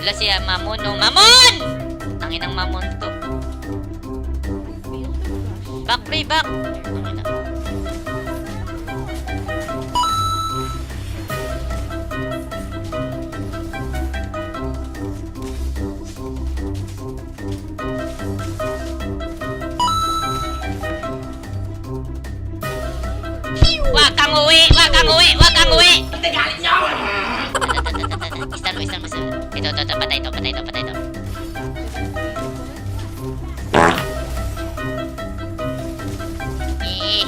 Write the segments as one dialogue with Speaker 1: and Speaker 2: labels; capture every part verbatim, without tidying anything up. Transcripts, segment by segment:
Speaker 1: Wala si Mamon, no? Mamon! Tangin ng Mamon to. Back, pre, back! Tangina. Wag kang uwi! Wag kang uwi! Wag kang uwi! Hindi galit niyo! Istan mo, istan mo. Ito, ito, ito. Patay ito, patay ito, patay ito. Eh.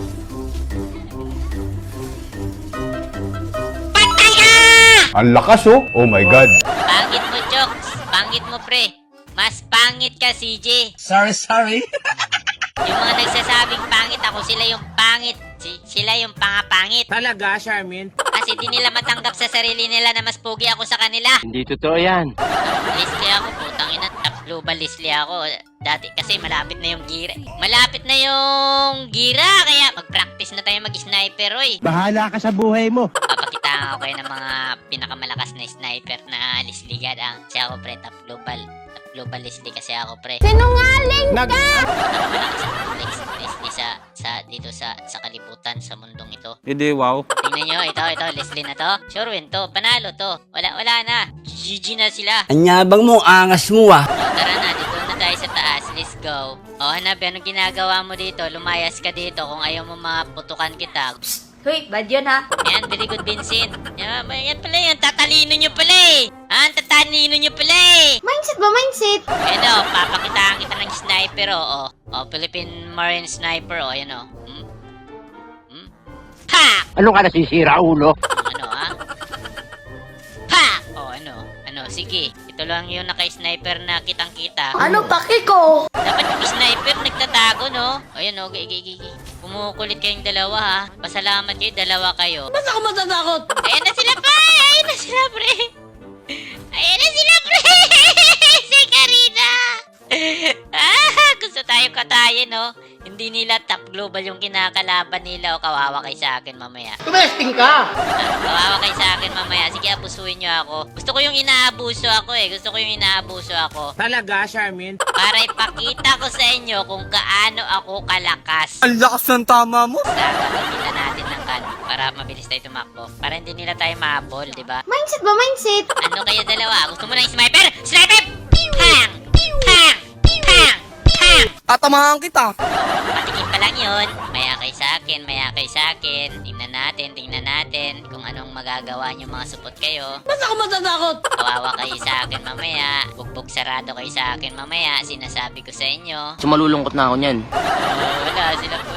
Speaker 1: Patay ka!
Speaker 2: Ang lakas oh. Oh my God.
Speaker 1: Pangit mo, Chokes. Pangit mo, pre. Mas pangit ka, C J.
Speaker 3: Sorry, sorry.
Speaker 1: Yung mga nagsasabing pangit, ako sila yung pangit. Si sila yung pangapangit.
Speaker 3: Talaga, Charmin?
Speaker 1: Kasi di nila matanggap sa sarili nila na mas pogi ako sa kanila.
Speaker 4: Hindi totoo yan.
Speaker 1: Leslie ako, putang ina. Top global Leslie ako. Dati kasi malapit na yung gira. Malapit na yung gira. Kaya mag-practice na tayo mag-sniper, oy.
Speaker 3: Bahala ka sa buhay mo.
Speaker 1: Papakitaan ko kayo ng mga pinakamalakas na sniper na Leslie God. Ang kasi ako, pre, top global. Top global Leslie kasi ako, pre.
Speaker 5: Sinungaling
Speaker 3: Nag...
Speaker 1: Pinakamalakas na Leslie sa, sa, dito sa, sa kalibutan, sa mundong ito.
Speaker 4: Hindi, wow.
Speaker 1: Tingnan nyo, ito, ito, Leslie na to. Sure win to, panalo to. Wala, wala na. G G na sila.
Speaker 3: Anyabang mo, angas mo ah.
Speaker 1: O, tara na, dito na tayo sa taas. Let's go. O, Hanabi, anong ginagawa mo dito? Lumayas ka dito kung ayaw mo maputukan kita.
Speaker 5: Hoy, bad yun ha.
Speaker 1: Yan, very good, Vincent. Yan, yan pala yan. Tatalino nyo pala eh. Ah, tatalino nyo pala eh.
Speaker 5: Mindset ba, mindset?
Speaker 1: Ayan o, papakitaan kita ng sniper o. O, o Philippine Marine Sniper o. Ayan o. Hmm? Hmm? Ha!
Speaker 4: Ano ka nasisira, ulo?
Speaker 1: Ano ah? Ha! O, ano? Ano? Sige. Ito lang yung naka-sniper na kitang-kita.
Speaker 5: Ano paki ko?
Speaker 1: Dapat yung sniper nagtatago, no? Ayan o, gigi, gigi. Kumukulit kayong dalawa, ha? Pasalamat kayo, dalawa kayo.
Speaker 3: Ba't ako matatakot?
Speaker 1: Ayan na sila, pa! Ayan na sila, pre! Ayan na sila, pre! Si Karina! Ah, gusto tayo katayin, no? Hindi nila top global yung kinakalaban nila o kawawa kay sa akin mamaya.
Speaker 3: Tumesting ka!
Speaker 1: Kawawa kay sa akin mamaya. Sige, abusuin nyo ako. Gusto ko yung inaabuso ako eh. Gusto ko yung inaabuso ako.
Speaker 3: Talaga, Charmin?
Speaker 1: Para ipakita ko sa inyo kung kaano ako kalakas.
Speaker 3: Ang lakas ng tama mo!
Speaker 1: Gagamitan natin ng kan para mabilis tayo tumakbo. Para hindi nila tayo mahabol, di ba?
Speaker 5: Mindset ba, mindset?
Speaker 1: Ano kayo dalawa? Gusto mo ng sniper? Sniper! Hang! Hang! Hang! Hang!
Speaker 3: Tatamahan kita!
Speaker 1: Patingin pa lang yun. Maya kay sa akin, maya kay sa akin. Tingnan natin, tingnan natin kung anong magagawa nyo mga supot kayo.
Speaker 3: Ba't ako matatakot?
Speaker 1: Kawawa kayo sa akin mamaya. Bugbog sarado kayo sa akin mamaya. Sinasabi ko sa inyo.
Speaker 4: Sumalulungkot na ako niyan.
Speaker 1: Oh, wala sila po.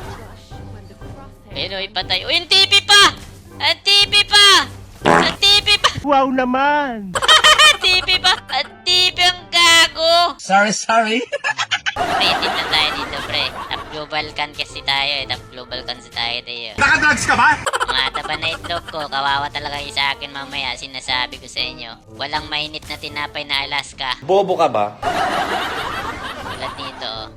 Speaker 1: Ayun o, ipatay. Uy, ang T P pa! Ang T P pa! Ang T P pa!
Speaker 3: Wow naman!
Speaker 1: T P pa! Ang T P ang gago!
Speaker 3: Sorry, sorry.
Speaker 1: Rated na tayo dito, pre. Top global can kasi tayo eh. Top global can si tayo tayo.
Speaker 3: Nakadrugs ka ba?
Speaker 1: Mga taba na itlog ko, kawawa talaga yung sa akin mamaya. Sinasabi ko sa inyo. Walang mainit na tinapay na Alaska.
Speaker 4: Bobo ka ba?
Speaker 1: Tulad nito, oh.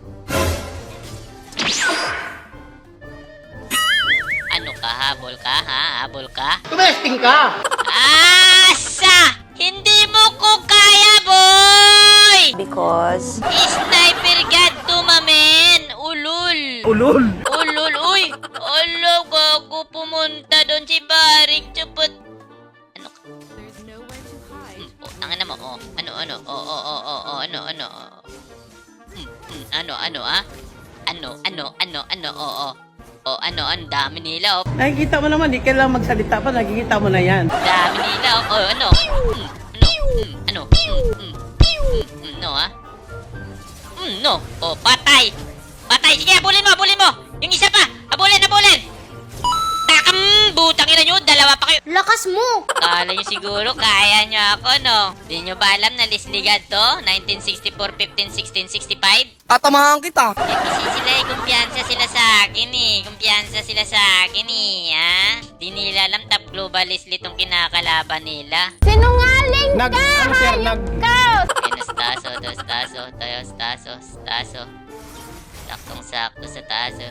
Speaker 1: Ano ka, habol ka, ha? Habol ka?
Speaker 3: Tumesting ka!
Speaker 1: Asa! Hindi mo ko kaya, boy!
Speaker 5: Because...
Speaker 1: Sniper God to, mamen! Ulul!
Speaker 3: Ulol!
Speaker 1: Ulul! Uy! Alo, gago pumunta doon si Baring. Chupot! Ano ka? Hmm, oh, tangin na mo, oh. Ano, ano? Oh, oh, oh, oh, oh, ano, ano? Hmm, hmm, ano, ano, ah? Ano, ano, ano, ano, oh, oh. Oh, ano, ang dami nila, oh.
Speaker 6: Nakikita mo naman, di kailangan magsalita pa, nakikita mo na yan.
Speaker 1: Dami nila, oh. Oh, ano? Hmm, ano? Hmm, ano? Hmm, hmm, hmm, hmm, no, ah? Hmm, no. Oh, patay! Patay! Sige, habulin mo, habulin mo! Yung isa pa! Habulin, habulin! Takam! Butang ina nyo! Dalawa pa kayo!
Speaker 5: Lakas mo!
Speaker 1: Kala nyo siguro, kaya nyo ako, no? Di nyo ba alam na Leslie God to? nineteen sixty-four, fifteen, sixteen, sixty-five?
Speaker 3: Tatamahan kita!
Speaker 1: Eh, kasi sila eh, kumpiyansa sila sa akin eh. Kumpiyansa sila sa akin eh, ha? Di nila alam top global Leslie tong kinakalaban nila.
Speaker 5: Sinungaling
Speaker 3: Nag... Ano sir? Nag...
Speaker 5: ka!
Speaker 1: Ayun, taso, dos taso, tayos, taso, taso. Saktong sakto sa taso.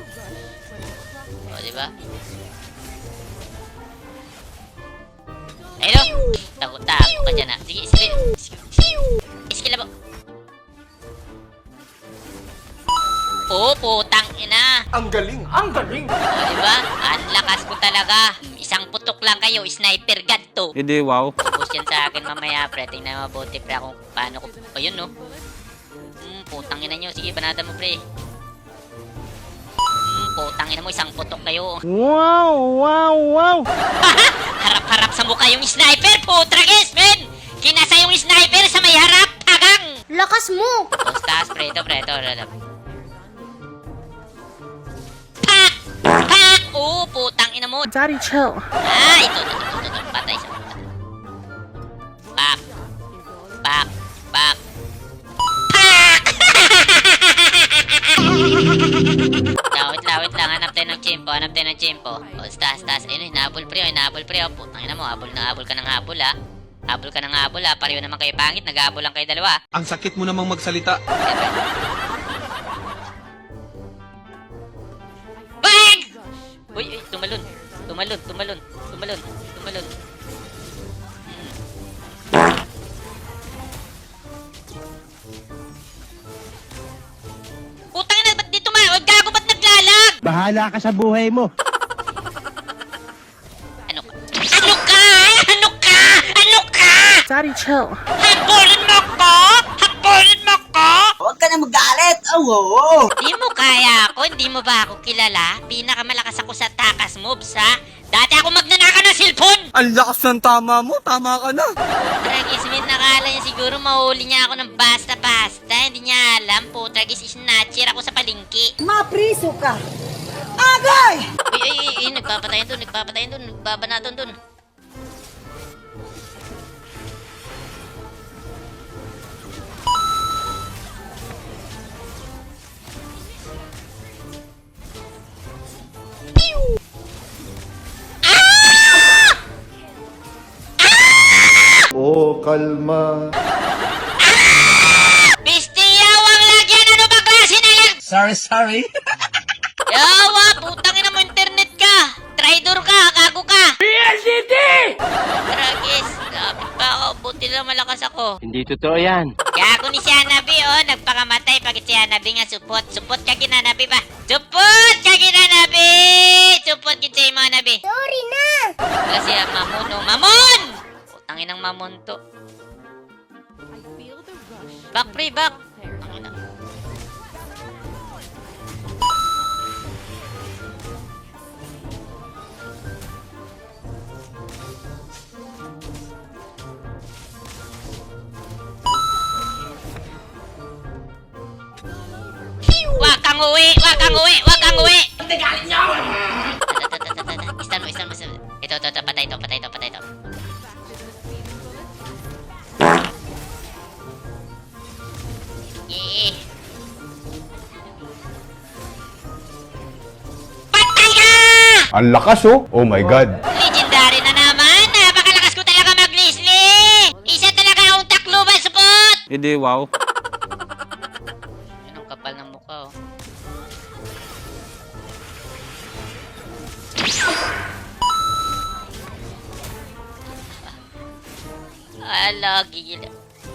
Speaker 1: O, diba? Ayun, tago-tago ka dyan, ha. Sige, skill. Skill na ba? Oo, putang ina.
Speaker 3: Ang galing, ang galing.
Speaker 1: O, diba? Ang lakas ko talaga. Isang putok lang kayo, sniper god to.
Speaker 4: Hindi, wow.
Speaker 1: Tapos yan sa akin mamaya, pre. Tingnan mabuti, pre, kung paano ko... O, yun, no? Hmm, putang ina nyo. Sige, banata mo, pre. Hmm, putang ina mo. Isang putok kayo.
Speaker 6: Wow, wow, wow.
Speaker 1: Harap-harap sa mukha yung sniper, putragis, men! Kinasa yung sniper sa may harap, tagang!
Speaker 5: Lakas mo!
Speaker 1: Tapos taas, pre, ito, pre, ito, ito. Pak! Pak! Oo, putang ina mo.
Speaker 6: Daddy, chill.
Speaker 1: Ah, ito, ito, ito, ito, ito. Patay siya. Pak! Pak! Pak! Pak! Lawit, lawit lang. Hanap tayo ng chimpo. Hanap tayo ng chimpo. O, taas, taas. Ayun, hinabol, pre. Hinabol, pre. O, putang ina mo. Habol na habol ka ng habol, ha. Habol ka ng habol, ha. Pareho naman kayo pangit. Nag-habol lang kayo dalawa.
Speaker 3: Ang sakit mo namang magsalita.
Speaker 1: Bang! Uy, uy, tumalon. Tumalon, tumalon, tumalon, tumalon. Hmm. Putang ina, ba't di tumawag? Gago, ba't naglalag?
Speaker 4: Bahala ka sa buhay mo.
Speaker 1: Ano ka? Ano ka? Ano ka? Ano ka?
Speaker 6: Daddy, chill.
Speaker 1: Habulin mo ko? Habulin mo ko?
Speaker 7: Huwag ka na magalit. Oh, oo.
Speaker 1: Di mo kaya ako? Hindi mo ba ako kilala? Pinakamalakas ako sa takas moves, ha? Dati ako magnanaka ng cellphone!
Speaker 3: Ang lakas ng tama mo, tama ka na.
Speaker 1: Tragis, Smith, nakala niya siguro mahuli niya ako ng basta-basta. Hindi niya alam po. Tragis, snatcher ako sa palengke.
Speaker 7: Mapriso ka. Agay!
Speaker 1: Uy, uy, uy, uy, nagpapatayan doon, nagpapatayan doon, nagbabanaton doon.
Speaker 2: Oh, kalma.
Speaker 1: Pisti, yawang lagyan! Ano ba klase na yan?
Speaker 3: Sorry, sorry.
Speaker 1: Yawa, putang ina mo, internet ka! Traidor ka, gago ka! P L C D! Tragis, lapit pa ako, buti lang malakas ako.
Speaker 4: Hindi totoo yan.
Speaker 1: Gago ni si Hanabi, oh, nagpakamatay pag si Hanabi nga supot. Supot ka kinanabi ba? Supot ka kinanabi! Supot kita yung mga nabi.
Speaker 5: Sorry na!
Speaker 1: Kasi ang mamon, oh, mamon! Putangin ng mamon to. Back, pre, back. Putangin na. Wag kang uwi! Wag kang uwi! Wag kang uwi! Hindi galit niyo! Istan mo, istan mo. Ito, ito, ito. Patay ito, patay ito, patay ito. Yeah. Patay ka!
Speaker 2: Ang lakas oh. Oh my God.
Speaker 1: Legendary na naman! Napakalakas ko talaga mag-Leslie! Isa talaga akong takluban, support!
Speaker 4: Hindi, wow.
Speaker 1: Yun ang kapal ng mukha, oh. Ala, gigil.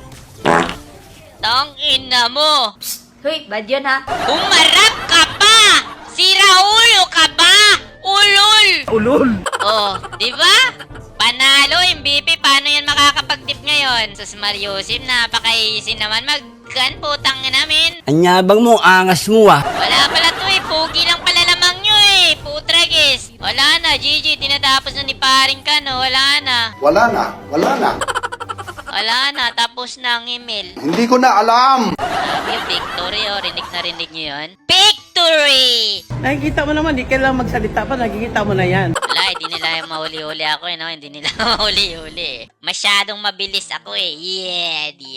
Speaker 1: Tang ina mo!
Speaker 5: Hoy, bad yun ha?
Speaker 1: Umarap ka pa! Sira ulo ka ba? Ulol!
Speaker 3: Ulol.
Speaker 1: Oh, di ba? Panalo, M V P. Paano yan makakapag-tip ngayon? Sus Mariusim, napaka-easy naman mag-gun. Putang ina namin.
Speaker 7: Anyabang mo, angas mo ah.
Speaker 1: Wala pala to eh. Pugi lang pala lamang nyo eh. Putragis. Wala na, G G. Tinatapos na ni paring ka, no? Wala na.
Speaker 8: Wala na, wala na.
Speaker 1: Wala na. Tapos na ang email.
Speaker 8: Hindi ko na alam.
Speaker 1: Sabi yung victory, oh. Rinig na rinig nyo yun. Victory!
Speaker 6: Nakikita mo naman, di kailangan magsalita pa, nakikita mo na yan.
Speaker 1: Wala, hindi nila mahuli-huli ako eh, no? Hindi nila mahuli-huli eh. Masyadong mabilis ako eh. Yeah, di